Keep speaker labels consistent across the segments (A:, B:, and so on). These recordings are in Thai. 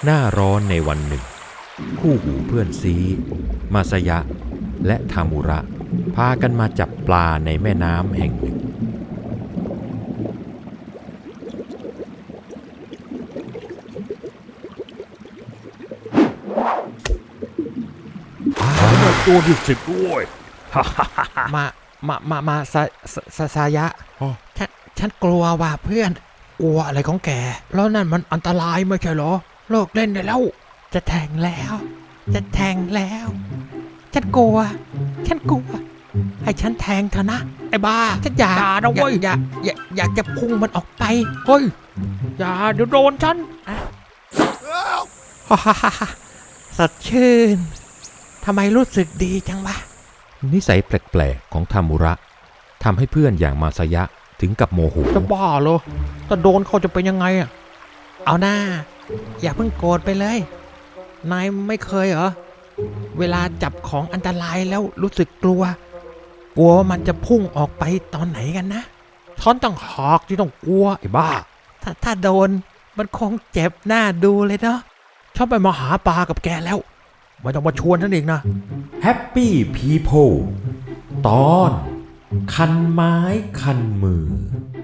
A: หน้าร้อนในวันหนึ่งคู่หูเพื่อนซีมาสยะและทามุระพากันมาจับปลาในแม่น้ำแห่งหนึ่ง
B: ตัวที่10ด้วย
C: มาสายะฉันกลัวว่ะเพื่อนกลัวอะไรของแกแล้วนั่นมันอันตรายไม่ใช่เหรอเลิกเล่นได้แล้วจะแทงแล้วฉันกลัวให้ฉันแทงเถอะนะไอ้บ้าฉันอยากจะพุ่งมันออกไปเฮ้ยอย่าเดี๋ยวโดนฉันสดชื่นทำไมรู้สึกดีจังวะ
A: นิสัยแปลกๆของทามุระทำให้เพื่อนอย่างมาสยะถึงกับโมโห
C: จะบ้าเหรอถ้าโดนเขาจะเป็นยังไงอ่ะเอาหน้าอย่าเพิ่งโกรธไปเลยนายไม่เคยเหรอเวลาจับของอันตรายแล้วรู้สึกกลัวว่ามันจะพุ่งออกไปตอนไหนกันนะฉันต้องหากที่ต้องกลัวไอ้บ้าถ้าโดนมันคงเจ็บหน้าดูเลยเนาะชอบไปมาหาปลากับแกแล้วไม่ต้องมาชวนฉันอีกนะ
A: Happy People ตอนคันไม้คันมือ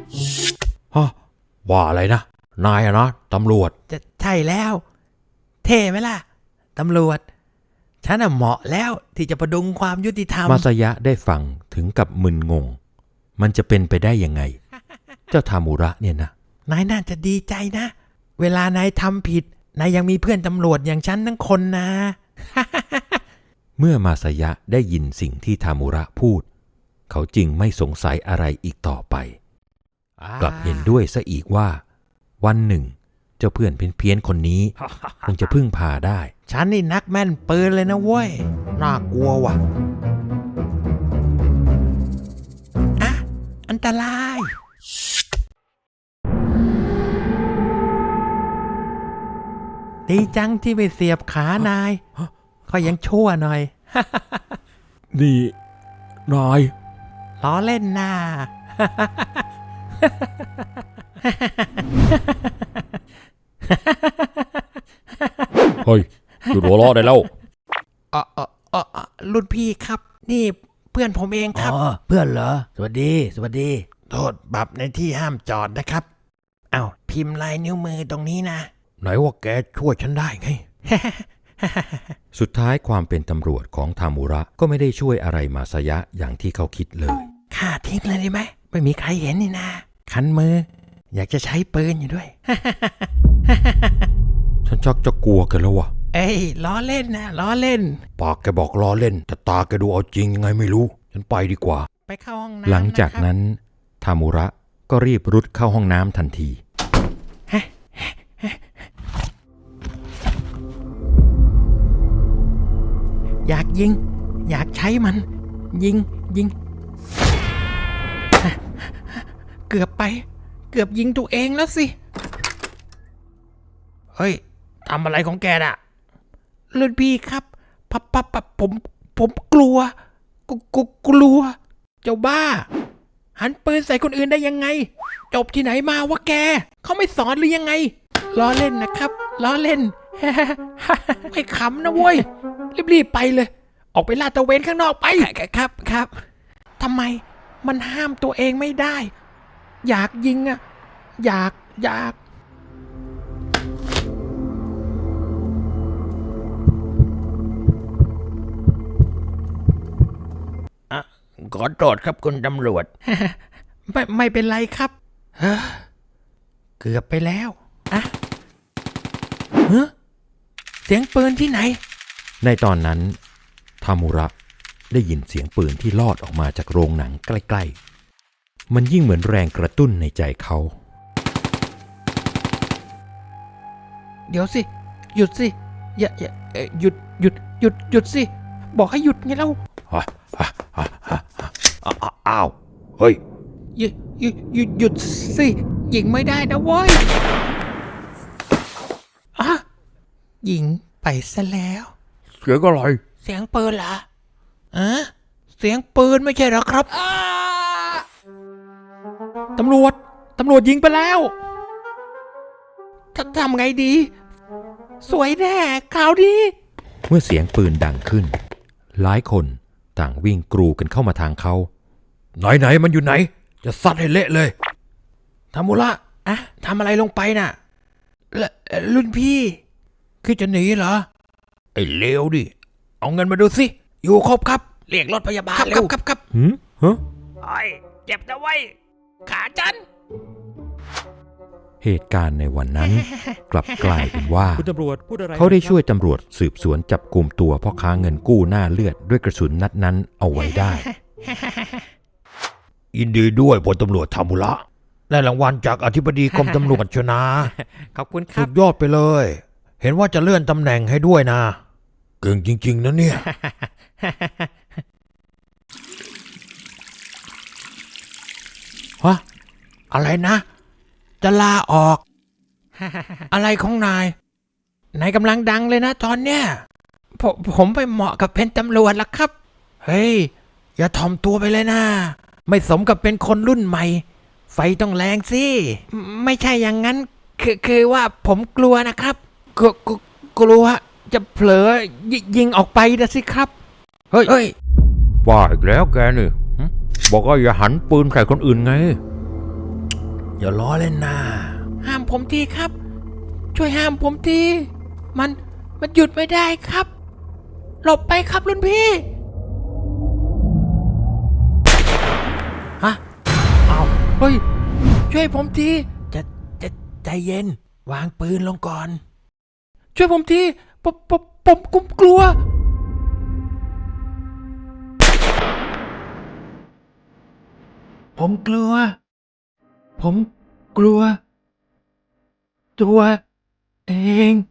B: ว่าอะไรนะนายอะนะตำรวจ
C: จะใช่แล้วเท่ไหมล่ะตำรวจฉันน่ะเหมาะแล้วที่จะประดุงความยุติธรรม
A: มาสยะได้ฟังถึงกับมึนงงมันจะเป็นไปได้ยังไง เจ้าทามุระเนี่ยนะ
C: นายน่าจะดีใจนะเวลานายทำผิดนายยังมีเพื่อนตำรวจอย่างฉันทั้งคนนะ
A: เมื่อมาสยะได้ยินสิ่งที่ทามุระพูดเขาจึงไม่สงสัยอะไรอีกต่อไปกลับเห็นด้วยซะอีกว่าวันหนึ่งเจ้าเพื่อนเพี้ยนๆคนนี้ คงจะพึ่งพาได้
C: ฉันนี่นักแม่นปืนเลยนะเว้ยน่ากลัวว่ะอะอันตรายดีจังที่ไปเสียบขานายก็ยังชั่วหน่อย
B: นี่นาย
C: ล้อเล่นน่า
B: เฮ้ยหยุดหัวเราะได้แล้ว
C: รุ่นพี่ครับนี่เพื่อนผมเองครับ
D: เพื่อนเหรอสวัสดี
C: โทษบับในที่ห้ามจอดนะครับอ้าวพิมพ์ลายนิ้วมือตรงนี้นะ
B: ไหนว่าแกช่วยฉันได้ไง
A: สุดท้ายความเป็นตำรวจของทามุระก็ไม่ได้ช่วยอะไรมาสยะอย่างที่เขาคิดเลย
C: ฆ่าทิ้งเลยได้ไหมไม่มีใครเห็นนี่นะคันมืออยากจะใช้ปืนอยู่ด้วย
A: ฉันชักจะกลัวกันแล้ววะ
C: เอ้ยล้อเล่นนะล้อเล่น
B: ปากแกบอกล้อเล่นแต่ตาแกดูเอาจริงยังไงไม่รู้ฉันไปดีกว่า
C: ไปเข้าห้องน้ำ
A: หลังจากนั้นทามุระก็รีบรุดเข้าห้องน้ำทันที
C: อยากยิงอยากใช้มันยิงเกือบยิงตัวเองแล้วสิเฮ้ยทำอะไรของแกน่ะรุ่นพี่ครับผมกลัวเจ้าบ้าหันปืนใส่คนอื่นได้ยังไงจบที่ไหนมาวะแกเขาไม่สอนหรือยังไงล้อเล่นนะครับล้อเล่น ไม่ขำนะเว้ยรีบไปเลยออกไปลาดตระเวนข้างนอกไปครับทำไมมันห้ามตัวเองไม่ได้อยากยิงอ่ะอยาก
D: ขอโทษครับคุณตำรวจ
C: ไม่เป็นไรครับเกือบไปแล้วอะเสียงปืนที่ไหน
A: ในตอนนั้นทามุระได้ยินเสียงปืนที่ลอดออกมาจากโรงหนังใกล้ๆมันยิ่งเหมือนแรงกระตุ้นในใจเขา
C: เดี๋ยวสิหยุดสิอย่าหยุดสิบอกให้หยุดไงเล่า
B: อ้าวเฮ้ย
C: หยุดสิยิงไม่ได้นะเว้ยยิงไปซะแล้ว
B: เสียงอะไร
C: เสียงปืนเหรอเสียงปืนไม่ใช่หรอครับตำรวจยิงไปแล้วทำไงดีสวยแน่ข่าวดี
A: เมื่อเสียงปืนดังขึ้น หลายคนต่างวิ่งกรูกันเข้ามาทางเขา
B: ไหนมันอยู่ไหน จะซัดให้เละเลย
C: ทามุระอะทำอะไรลงไปน่ะรุ่นพี่คือจะหนีเหรอ
B: ไอ้เลวดิ เอาเงินมาดูสิ
C: อยู่ครบครับเรียกรถพยาบาลเร็วครับ
A: หืมฮะ
D: ไอ้เจ็บนะไว้ยขาฉัน
A: เหตุการณ์ในวันนั้น กลับกลายเป็นว่า
E: คุณตำรวจพูดอะไร
A: เขาได้ช่วยตำรวจสืบสวนจับกลุ่มตัวพ่อค้าเงินกู้หน้าเลือดด้วยกระสุนนัดนั้นเอาไว้ได้
B: ยินดีด้วยพลตำรวจทามุระได้รางวัลจากอธิบดีกรมตำรวจชนะ
C: ขอบคุณค
B: สุ
C: รับ
B: ดยอดไปเลย เห็นว่าจะเลื่อนตำแหน่งให้ด้วยนะ เก่งจริง ๆ นะเนี่ย
C: ฮะอะไรนะ จะลาออก อะไรของนายกำลังดังเลยนะตอนเนี้ยผมไปเหมาะกับเป็นตำรวจแล้วครับ เฮ้ย อย่าถ่อมตัวไปเลยนะ ไม่สมกับเป็นคนรุ่นใหม่ ไฟต้องแรงสิไม่ใช่อย่างนั้น คือว่าผมกลัวนะครับกลัวจะเผลอยิงออกไปนะสิครับ เฮ้ย
B: ว่าอีกแล้วแกนี่หึบอกว่าอย่าหันปืนใส่คนอื่นไง อย่าล้อเล่นนะ
C: ห้ามผมทีครับ ช่วยห้ามผมทีมันหยุดไม่ได้ครับ หลบไปครับรุ่นพี่ฮะเอาเฮ้ยช่วยผมทีจะใจเย็น วางปืนลงก่อน ช่วยผมทีผมกลัว ผมกลัว ตัวเอง